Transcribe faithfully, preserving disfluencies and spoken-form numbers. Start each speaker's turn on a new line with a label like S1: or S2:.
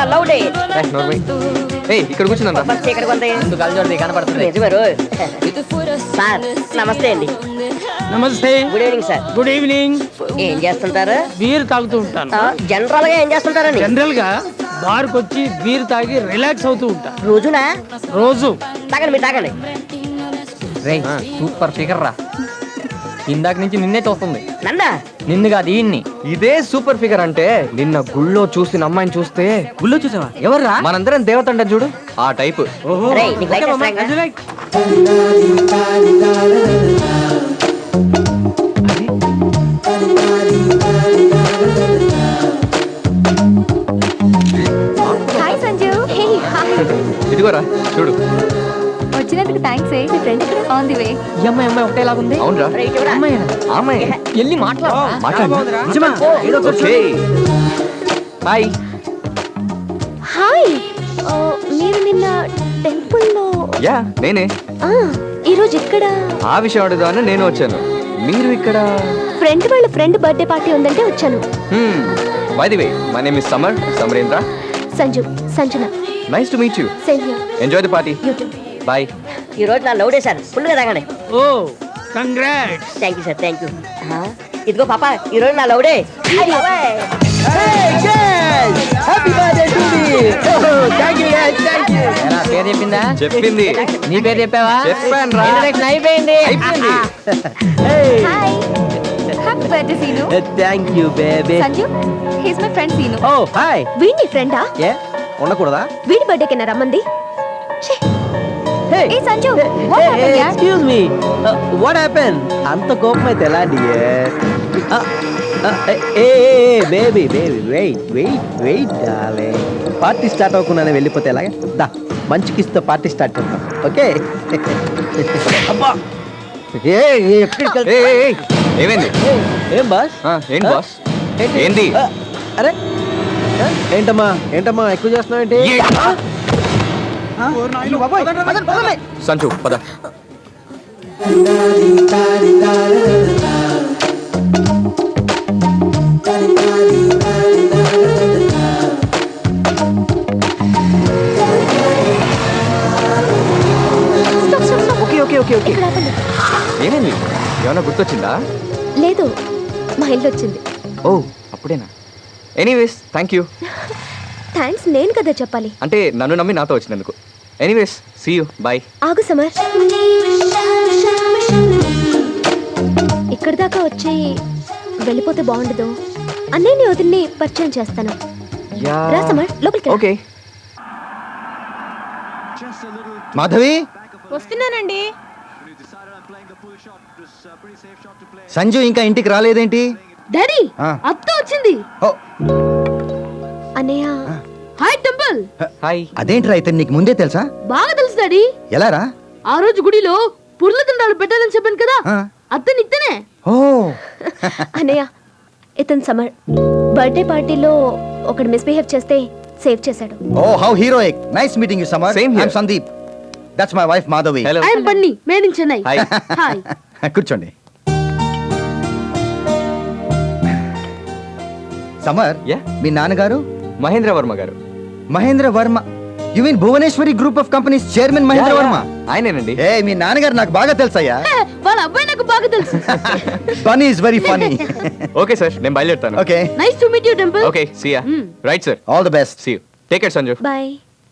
S1: లౌడే
S2: ఇక్కడ కూర్చుందా
S1: ఇక్కడ కొంత
S3: ముందు కళ్ళు చూడదు కనపడుతుంది
S1: నిజమేరు సార్ నమస్తే అండి.
S4: నమస్తే.
S1: Good evening sir.
S4: Good evening.
S1: ఏం చేస్తుంటారు?
S4: బీర్ తాగుతూ ఉంటాను.
S1: జనరల్ గా ఏం చేస్తుంటారండి?
S4: జనరల్ గా బార్ కి వచ్చి బీర్ తాగి రిలాక్స్ అవుతూ ఉంటా.
S1: రోజునా?
S4: రోజు.
S1: తాగండి మీరు తాగండి.
S3: సూపర్ ఫిగర్ రా, ఇందాక నుంచి నిన్నే చూస్తుంది.
S1: నన్నా?
S3: నిన్ను కాదు ఈయన్ని.
S2: ఇదే సూపర్ ఫిగర్ అంటే నిన్న గుళ్ళో చూసిన అమ్మాయిని చూస్తే
S3: గుళ్ళో చూసావా? ఎవర్రా?
S2: మనందరం దేవత అంటే చూడు ఆ టైప్.
S1: రేయ్, నీకు లైట్ వేస్తాగా?
S5: హాయ్ సంజు. Hey hi.
S2: ఇదిగోరా చూడు.
S5: వచ్చినందుకు థాంక్స్. ఏ నీ ఫ్రెండ్ ఇక్కడ ఆన్ ది వే.
S3: ఈ అమ్మాయి అమ్మాయి ఒకటేలాగా ఉంది.
S2: అవునరా?
S1: రేయ్, చూడరా.
S3: అమ్మాయి
S2: అమ్మాయి
S3: ఎల్లి మాట్లాడు.
S2: మాట్లాడు.
S3: నిజమా?
S2: Okay hi.
S5: హాయ్. ఆ, మీరు నిన్న టెంపుల్ లో
S2: యా నేనే.
S5: ఆ ఈ రోజు ఇక్కడ
S2: ఆ విషయం అడుగుదామని నేను వచ్చాను. మీరు ఇక్కడ?
S5: ఫ్రెండ్ వాళ్ళ ఫ్రెండ్ బర్త్డే పార్టీ ఉందంటే వచ్చాను.
S2: By the way my name is Samar Samarendra.
S5: Sanju Sanjana.
S2: Nice to meet you.
S5: Same here.
S2: Enjoy the party.
S5: You too.
S2: Bye.
S1: ఈ రోజు నా లౌడే సార్. ఫుల్ గా తాగండి.
S4: ఓ congrats.
S1: Thank you sir. Thank you. ఇదిగో పాప, ఈ రోజు నా లౌడే.
S3: ఎలా పేరు చెప్పిందా?
S2: చెప్పింది.
S3: నీ పేరు చెప్పావా?
S2: చెప్పాను రా.
S3: Introduction అయిపోయింది.
S2: అయిపోయింది.
S5: Hi. Happy birthday Seenu.
S6: Thank you baby.
S5: Sanju he's my friend Seenu.
S6: ఓ హాయ్.
S5: వీడి ఫ్రెండా?
S6: ఏ ఉండకూడదా?
S5: వీడి బర్త్డే కింద రమ్మంది. ఛే.
S6: హే
S5: ఏ సంజు వాట్ హ్యాపెండ్ యార్?
S6: Excuse me, what happen? అంత కోపం అయితే ఎలా డియర్? ఏ baby baby wait wait wait darling. Party start అవ్వకుండానే వెళ్ళిపోతే ఎలాగా? దా మంచి కిస్తో పార్టీ స్టార్ట్ చేద్దాం. ఓకే. అబ్బా ఏ ఎక్కడికి
S2: ఏయ్, ఏయ్, ఏయ్. ఏమైంది?
S6: ఏం బాస్?
S2: ఆ, ఏంటి బాస్? ఏంది?
S6: ఆ, అరే ఆ, ఏంటమ్మా ఏంటమ్మా ఎక్కువ చేస్తున్నావు ఏంటి?
S2: ఏ- సంచు పద.
S6: Okay okay okay okay.
S5: ఇక్కడ ఆపండి.
S2: ఏమైంది? ఏమైనా గుర్తొచ్చిందా?
S5: లేదు, మా ఇల్లు వచ్చింది.
S2: ఓ అప్పుడేనా? Anyways thank you.
S5: థ్యాంక్స్ నేను కదా చెప్పాలి.
S2: అంటే నన్ను నమ్మి నాతో వచ్చినందుకు. Anyways see you. బాయ్.
S5: ఆగు సమర్. ఇక్కడి దాకా వచ్చి వెళ్ళిపోతే బాగుండదు. అన్నయ్యని వదిలిని పరిచయం చేస్తాను. రా సమర్, లోపలికి రా.
S2: ఓకే.
S6: మాధవి
S5: వస్తున్నానండి.
S6: సంజు ఇంకా ఇంటికి రాలేదేంటి?
S5: డాడీ
S6: ఆ.
S5: అత్త వచ్చింది.
S6: ఓ,
S5: అన్నయ్య.
S7: Hi temple.
S2: హాయ్.
S6: అదేంట్రా ఇతను నీకు ముందే తెలుసా?
S7: బాగా తెలుసు డాడీ.
S6: ఎలా రా?
S7: ఆ రోజు గుడిలో పుర్ల తండాలు పెట్టాలని చెప్పాను కదా,
S6: ఆ.
S7: అత్తని ఇత్తనే.
S6: ఓ
S5: అన్నయ్య, ఇతను సమర్ బర్త్డే పార్టీలో ఒకడు మిస్బిహేవ్ చేస్తే సేవ్ చేశాడు.
S6: ఓ how heroic. Nice meeting you Samar.
S2: Same here.
S6: I am Sandeep. That's my wife Madhavi.
S2: Hello.
S7: I'm Bunny, made in Chennai.
S2: Hi.
S7: Hi.
S6: కూర్చోండి. సమర్,
S2: Yeah?
S6: మీ నాన్నగారు?
S2: మహేంద్ర వర్మ గారు.
S6: Mahendra Varma. You mean Bhuvaneshwari group of companies chairman Mahendra
S2: Yeah,
S6: Varma?
S2: yeah. ఆయనేనండి.
S6: ఏ మీ నాన్నగారు నాకు బాగా తెలుసయ్యా.
S7: వాళ్ళ అబ్బాయి నాకు బాగా తెలుసు.
S6: Bunny is very funny.
S2: Okay sir నేను బయలుదేరుతాను.
S6: Okay,
S7: nice to meet you temple.
S2: Okay see ya.
S7: Hmm.
S2: Right sir.
S6: All the best.
S2: See you. Take care Sanju.
S5: Bye.